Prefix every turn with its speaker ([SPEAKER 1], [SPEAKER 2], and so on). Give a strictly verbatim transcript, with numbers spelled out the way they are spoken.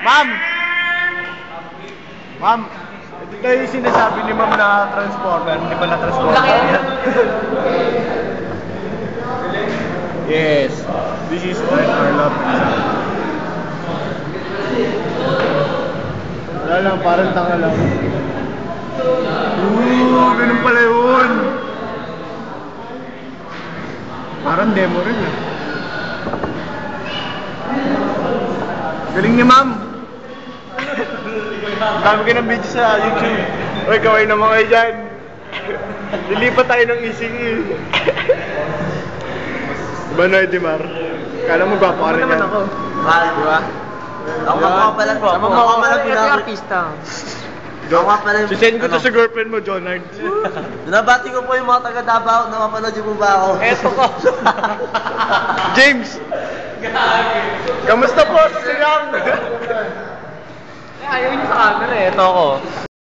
[SPEAKER 1] Ma'am! Ma'am, ito tayo yung sinasabi ni ma'am na transformer, hindi pa na-transformer yan. Yes, this is Trent Arlop. Wala lang, parang tanga lang. Ooh, ganun pala yun. Parang demo rin ah. Galing ni ma'am. Dami ka ng video sa YouTube. Uy, kaway naman kayo dyan. Lilipat tayo ng E C E. Diba no, Edimar? Kala mo gwapo ka rin yan. Ako.
[SPEAKER 2] Ah, di ba? Ako nga pala po. Ako nga pala pinaka-artista. Ako nga pala yung...
[SPEAKER 1] Sisend ko to sa girlfriend mo, Jonard.
[SPEAKER 2] Binabati ko po yung mga taga-Davao. Nakapanood yung po ba ako?
[SPEAKER 1] Eto ko. James! Kamusta po sa Silang?
[SPEAKER 2] Ayaw niyo sa camera eh. Ito ako.